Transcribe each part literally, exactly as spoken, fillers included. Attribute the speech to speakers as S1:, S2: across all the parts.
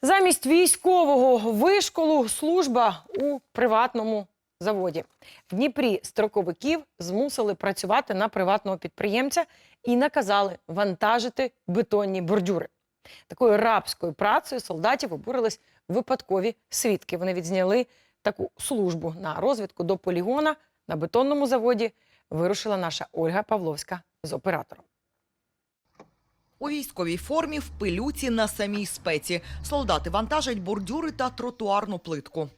S1: Замість військового вишколу служба у приватному заводі. В Дніпрі строковиків змусили працювати на приватного підприємця і наказали вантажити бетонні бордюри. Такою рабською працею солдатів обурились випадкові свідки. Вони відзняли таку службу. На розвідку до полігона на бетонному заводі вирушила наша Ольга Павловська з оператором.
S2: У військовій формі, в пилюці, на самій спеці. Солдати вантажать бордюри та тротуарну плитку.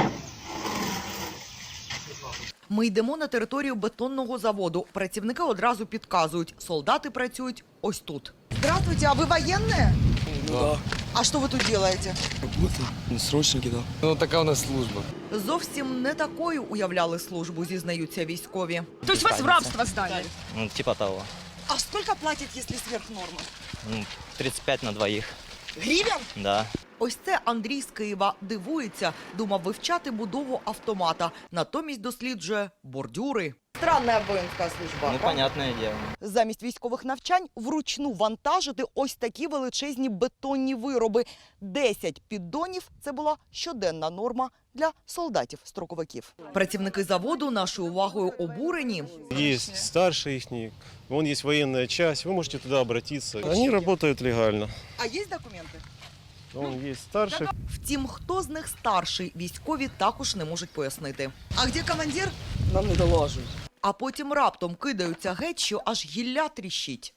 S2: Ми йдемо на територію бетонного заводу. Працівники одразу підказують. Солдати працюють ось тут.
S3: Здравствуйте, а вы военные?
S4: Да.
S3: А что вы тут делаете?
S4: Работа, срочники, да. Ну, така у нас служба.
S2: Зовсім не такою уявляли службу, зізнаються військові.
S3: То есть вас в рабство сдали?
S5: Ну, типа того.
S3: А сколько платят, если сверх нормы?
S5: Ну, тридцать пять на двоих.
S3: Гривен?
S5: Да.
S2: Ось це Андрій з Києва. Дивується. Думав вивчати будову автомата. Натомість досліджує бордюри. Странна воїнська служба.
S5: Ну, понятное дело.
S2: Замість військових навчань вручну вантажити ось такі величезні бетонні вироби. Десять піддонів – це була щоденна норма для солдатів-строковиків. Працівники заводу нашою увагою обурені.
S6: Есть старший их, вон есть военная часть, вы можете туда обратиться. Они работают легально.
S3: А есть документы?
S6: Он есть старший.
S2: Втім, хто з них старший, військові також не можуть пояснити.
S3: А где командир?
S4: Нам не доложують.
S2: А потім раптом кидаються геть, що аж гілля тріщить.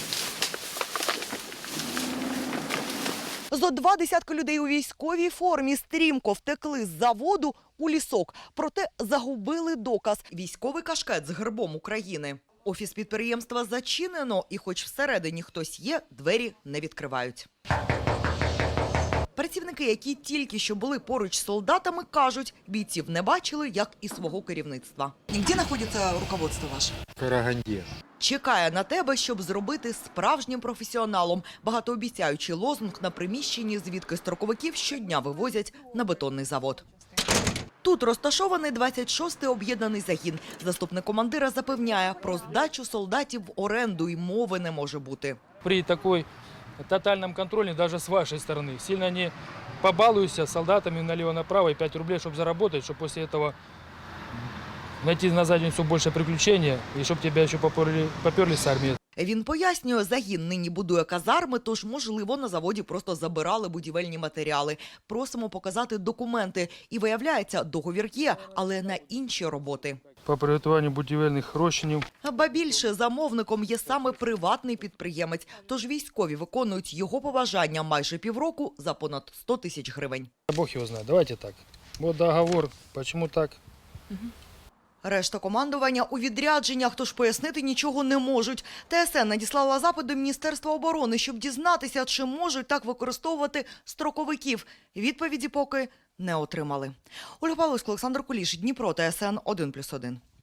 S2: Зо два десятки людей у військовій формі стрімко втекли з заводу у лісок. Проте загубили доказ – військовий кашкет з гербом України. Офіс підприємства зачинено, і хоч всередині хтось є, двері не відкривають. Працівники, які тільки що були поруч з солдатами, кажуть, бійців не бачили, як і свого керівництва.
S3: И где находится руководство ваше?
S4: В Караганді.
S2: Чекає на тебе, щоб зробити справжнім професіоналом. Багатообіцяючий лозунг на приміщенні, звідки строковиків щодня вивозять на бетонний завод. Тут розташований двадцять шостий об'єднаний загін. Заступник командира запевняє, про здачу солдатів в оренду й мови не може бути.
S7: При такой тотальном контроле даже с вашей стороны сильно не побалуйся солдатами налево-направо и пять рублей, чтобы заработать, чтобы после этого найти на задницу больше приключения и чтобы тебя еще поперли, поперли с армии.
S2: Він пояснює, загін нині будує казарми, тож, можливо, на заводі просто забирали будівельні матеріали. Просимо показати документи. І виявляється, договір є, але на інші роботи.
S7: По приготуванню будівельних розчинів.
S2: Ба більше, замовником є саме приватний підприємець. Тож військові виконують його побажання майже півроку за понад сто тисяч гривень.
S7: Бог його знає. Давайте так. Вот договор. Почему так?
S2: Решта командування у відрядженнях, тож пояснити нічого не можуть. ТСН надіслала запит до Міністерства оборони, щоб дізнатися, чи можуть так використовувати строковиків. Відповіді поки не отримали. Ольга Павловська, Олександр Куліш, Дніпро, ТСН один плюс один.